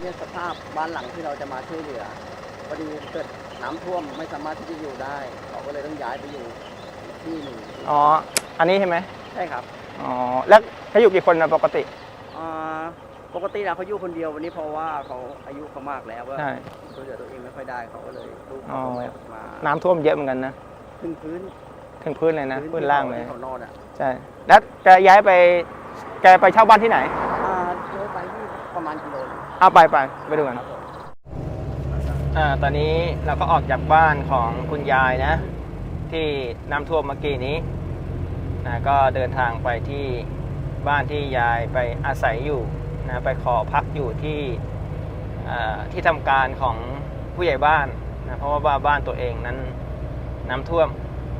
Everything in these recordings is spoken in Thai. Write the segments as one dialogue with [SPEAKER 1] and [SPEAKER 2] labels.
[SPEAKER 1] เนี่ยสภาพบ้านหลังที่เราจะมาช่วยเหลือพอดีเกิดน้ำท่วมไม่สามารถที่จะอยู่ได้เขาก็เลยต้องย้ายไปอยู่อีกที่หนึ่ง
[SPEAKER 2] อ๋ออันนี้ใช่ไหม
[SPEAKER 1] ใช่ครับ
[SPEAKER 2] อ๋อแล้วเขาอยู่กี่คนนะปกติ
[SPEAKER 1] อ่าปกติแล้วเขาอยู่คนเดียววันนี้เพราะว่าเขาอายุเขามากแล้วว่า
[SPEAKER 2] ใช่
[SPEAKER 1] ช่วยเหลือตัวเองไม่ค่อยได้เขาก็เลยลูก
[SPEAKER 2] อ๋อ
[SPEAKER 1] เขาก็มา
[SPEAKER 2] น้ำท่วมเยอะเหมือนกันนะ
[SPEAKER 1] ขึ้นพื้น
[SPEAKER 2] ถึงพื้นเลยนะพื้นล่างเลย
[SPEAKER 1] ที่เขานอนอ่ะ
[SPEAKER 2] ใช่แล้วแกย้ายไปแกไปเช่าบ้านที่ไหน
[SPEAKER 1] เดินไปที่ประมาณกิโลนึง
[SPEAKER 2] เอาไปดูกัน
[SPEAKER 1] ครับผม
[SPEAKER 2] ตอนนี้เราก็ออกจากบ้านของคุณยายนะที่น้ำท่วมเมื่อกี้นี้ก็เดินทางไปที่บ้านที่ยายไปอาศัยอยู่นะไปขอพักอยู่ที่ทำการของผู้ใหญ่บ้านนะเพราะว่าบ้านตัวเองนั้นน้ำท่วม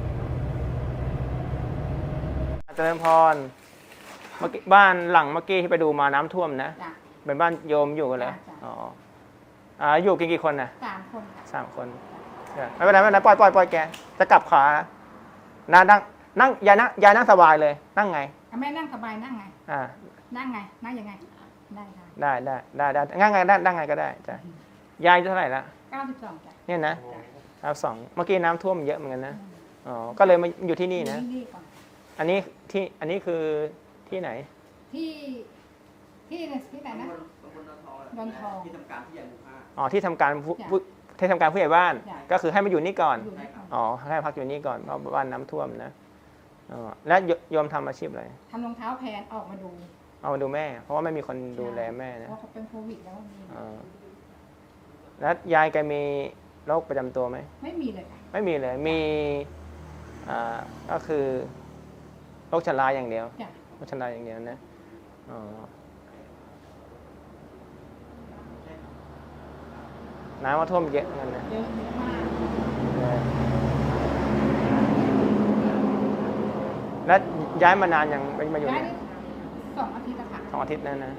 [SPEAKER 2] เจริญพรเมื่อกี้บ้านหลังเมื่อกี้ที่ไปดูมาน้ำท่วมนะเป็นบ้านโยมอยู่กันเลยอยู่กี่คนนะ
[SPEAKER 3] 3 คน
[SPEAKER 2] 3 คนไม่เป็นไรไม่เป็นไรปล่อยแกจะกลับขานั่งยายนั่งสบายเลยนั่งไง
[SPEAKER 3] แม่นั่งสบายนั่งไงนั่งไงนั่งยังไง
[SPEAKER 2] ได้นั่งไงนั่งไงก็ได้จ้ะยายเท่าไหร่ละ
[SPEAKER 3] 92จ้ะ
[SPEAKER 2] เนี่ยนะ92เมื่อกี้น้ำท่วมเยอะเหมือนกันนะก็เลยมาอยู่ที่นี่นะอันนี้คือที่ไหน
[SPEAKER 3] ที่ไหนนะดอนทอง
[SPEAKER 1] ที่ทำการผู้ใหญ่หมู่5
[SPEAKER 2] ที่ทำการผู้ใหญ่บ้านก็คือให้มาอยู่นี่ก่อนให้พักอยู่นี่ก่อนเพราะบ้านน้ำท่วมนะแล้วโยมทำอาชีพอะไร
[SPEAKER 3] ทำรองเท้าแพนออกมาดู
[SPEAKER 2] แม่เพราะว่าไม่มีคนดูแลแม่นะ
[SPEAKER 3] เพราะเขาเป็นโควิดแล้ว
[SPEAKER 2] แล้วยายแกมีโรคประจำตัวไหม
[SPEAKER 3] ไม่มีเลย
[SPEAKER 2] ไม่มีเลยมีก็คือโรคชราอย่างเดียวโรคชราอย่างเดียวนะน้ำมาท่วมเยอะเงินนะ
[SPEAKER 3] เยอะมาก
[SPEAKER 2] แล้วย้ายมานานยังมาอยู่
[SPEAKER 3] เนี่ย2 อาทิตย์แล้วค่ะ
[SPEAKER 2] 2 อาทิตย์นั่นนะ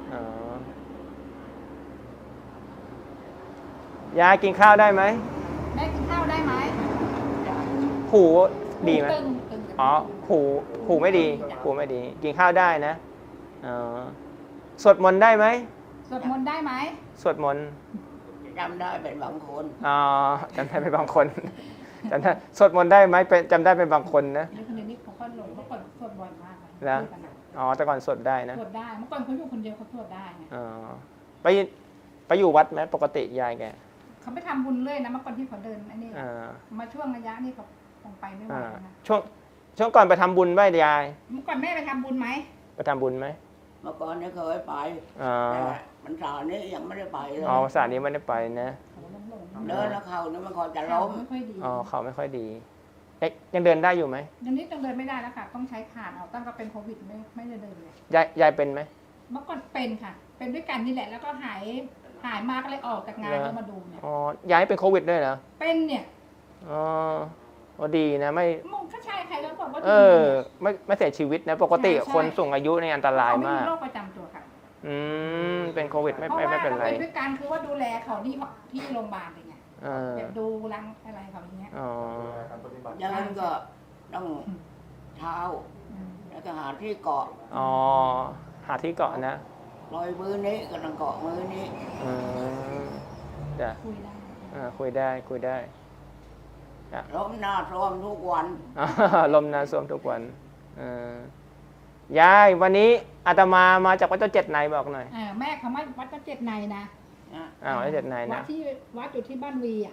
[SPEAKER 2] ยายกินข้าวได้ไหม
[SPEAKER 3] แม่กินข้าวได้ไหม
[SPEAKER 2] หูดีไหมหูไม่ดีกินข้าวได้นะสวดมนต์ได้ไหม
[SPEAKER 3] สวดมนต์ได้ไหม
[SPEAKER 2] สวดมนต์
[SPEAKER 1] จำได้เป็นบางคน
[SPEAKER 2] จำได้เป็นบางคนจำได้สวดมนต์ได้ไหมจำได้เป็นบางคนนะ
[SPEAKER 3] คนนี้เขาก็หลงเมื่อก่อนสวดบ่อยมาก
[SPEAKER 2] นะแต่ก่อนสวดได้นะ
[SPEAKER 3] สวดได้เมื่อก่อนเขาอยู่คนเดียวเขาสวดได้
[SPEAKER 2] ไปอยู่วัดไหมปกติยายแก
[SPEAKER 3] เขาไปทำบุญเรื่อยนะเมื่อก่อนที่เขาเดินอันนี้มาช่วงระยะนี้เขาคงไปไม่ไหวนะ
[SPEAKER 2] ช่วงก่อนไปทำบุญไหมยาย
[SPEAKER 3] เมื่อก่อนแม่ไปทำบุญไหม
[SPEAKER 2] ไปทำบุญไหม
[SPEAKER 1] เมื่อก่อนเนี่ยเคยไปแต่มันสานี้ยังไม่ได้ไปเลย
[SPEAKER 2] สานี้ไม่ได้ไปนะ
[SPEAKER 1] เดินแล้วเขาเนี่ยมันก่อนจะล้ม
[SPEAKER 3] ไม่ค่อยดี
[SPEAKER 2] เขาไม่ค่อยดียังเดินได้อยู่ไหม
[SPEAKER 3] ยังนี้ยังเดินไม่ได้แล้วค่ะต้องใช้ขาตั้งแต่เป็นโควิดไม่ได้เดินเลย
[SPEAKER 2] ยายเป็นไหม
[SPEAKER 3] เมื่อก่อนเป็นค่ะเป็นด้วยกันนี่แหละแล้วก็หายมากก็เลยออกจากงานแล้วมาดูเนี่ย
[SPEAKER 2] ยายเป็นโควิดด้วยเหรอ
[SPEAKER 3] เป็นเนี่ย
[SPEAKER 2] ดีนะไม่
[SPEAKER 3] ก็ใช่ใครแล้วบอกว่า
[SPEAKER 2] ไม่เสียชีวิตนะปกติคนสูงอายุในอันตรายมาก
[SPEAKER 3] เขาไม่มีโรคประจำตัวค่ะ
[SPEAKER 2] เป็นโควิดไม่เป็นไรเพราะว่า
[SPEAKER 3] เป็นด้วยกันคือว่าดูแลเขาที่โรงพยาบาลเลยไงแบบดูรังอะไรเขาอย่างเงี้ย
[SPEAKER 1] อย่างนั้นก็ต้องเท้าแล้วก็หาที่เกาะ
[SPEAKER 2] หาที่เกาะนะ
[SPEAKER 1] ลอยมือนี้ก็ต้องเกาะมือนี้
[SPEAKER 2] จ้ะคุยได้
[SPEAKER 1] ล้มหน้าท่วมทุกวัน
[SPEAKER 2] ลมหน้าท่วมทุกวันยายวันนี้อาตมาจากวัดเจ้าเจ็ดในบอกหน่อย
[SPEAKER 3] แม่เขามาวัดเจ้าเจ็ดในนะ
[SPEAKER 2] วัดเจ็ดในนะ
[SPEAKER 3] วัดอยู่ที่บ้านวี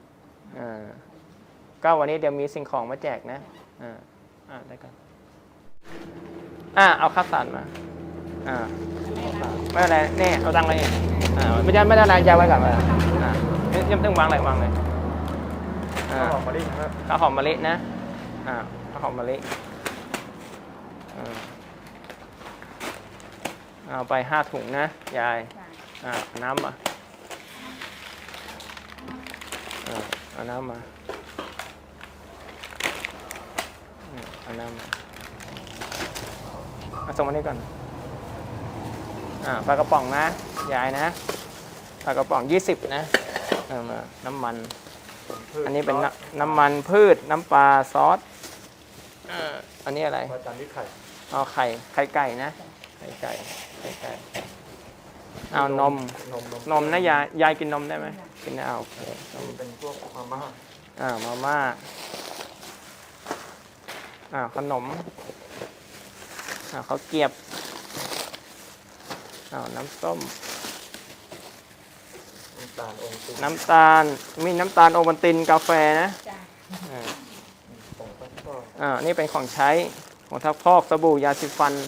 [SPEAKER 2] ก็วันนี้เดี๋ยวมีสิ่งของมาแจกนะได้กันเอาข้าวสารมาไม่อะไรนี่เอาตังค์เลยไม่ได้อะไรยาวไว้ก่อนยังต้องวางอะไรวางเลยข้าวหอมมะลินะข้าวหอมมะลิเอาไป5 ถุงนะยายน้ำเอาน้ำมาเอาน้ำมาส่งมานี่ก่อนปลากระป๋องนะยายนะปลากระป๋อง20นะน้ำมันอันนี้เป็นน้ำมันพืชน้ำปลาซอสอันนี้อะไร
[SPEAKER 4] จานนี้ไข่
[SPEAKER 2] ไข่ไก่นะไข่ไก่เอานม นมนะยายกินนมได้ไหมกินได้โอเคนม
[SPEAKER 1] เป็นพวกมาม่า
[SPEAKER 2] มาม่าขนมข้าวเกรียบน้ำส้ม
[SPEAKER 1] น้ำตาลองค์ติน
[SPEAKER 2] น้ำตาลมีน้ำตาลโอวัลตินกาแฟนะ
[SPEAKER 3] จ้ะ
[SPEAKER 1] ผงซักฟอก
[SPEAKER 2] นี่เป็นของใช้ของทักพอกสบู่ยาสีฟัน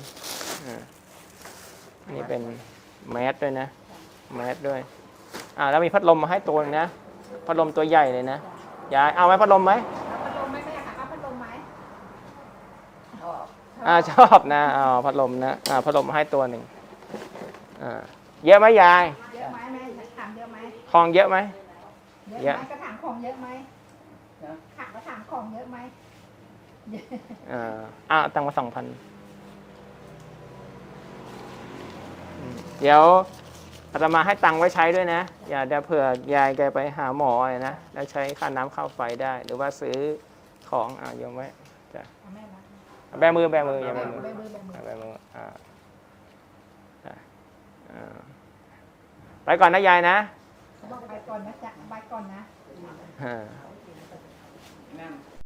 [SPEAKER 2] อันนี้เป็นแมสด้วยนะแมสด้วยแล้วมีพัดลมมาให้ตัวนึงนะพัดลมตัวใหญ่เลยนะยายเอาไหมพัดลมไหม
[SPEAKER 3] เอาพัดลมไหมแม่ค่ะเอาพัดลมไหม
[SPEAKER 2] ชอบนะพัดลมนะพัดลมมาให้ตัวหนึ่งเยอะไหมยาย
[SPEAKER 3] เยอะไหมแม่ถามเยอะไหม
[SPEAKER 2] คลองเยอะไหม
[SPEAKER 3] เยอะไหมกระถางของเยอะไหมขักกระถางของเยอะไหม
[SPEAKER 2] ตังค์มา2,000เดี๋ยวอาตมาให้ตังค์ไว้ใช้ด้วยนะอย่าเดี๋ยวเผื่อยายแกไปหาหมออะไรนะแล้วใช้ค่าน้ำค่าไฟได้ หรือว่าซื้อของโยมไว้จ้ะ
[SPEAKER 3] เอาแม่นะ
[SPEAKER 2] แบมืออย่าแบมือ
[SPEAKER 3] ใบมือใบมือ
[SPEAKER 2] แบมือไปก่อนนะยายนะ
[SPEAKER 3] บอกไปก่อนนะจ๊ะไปก่อนนะ
[SPEAKER 2] อ่า
[SPEAKER 1] นั่น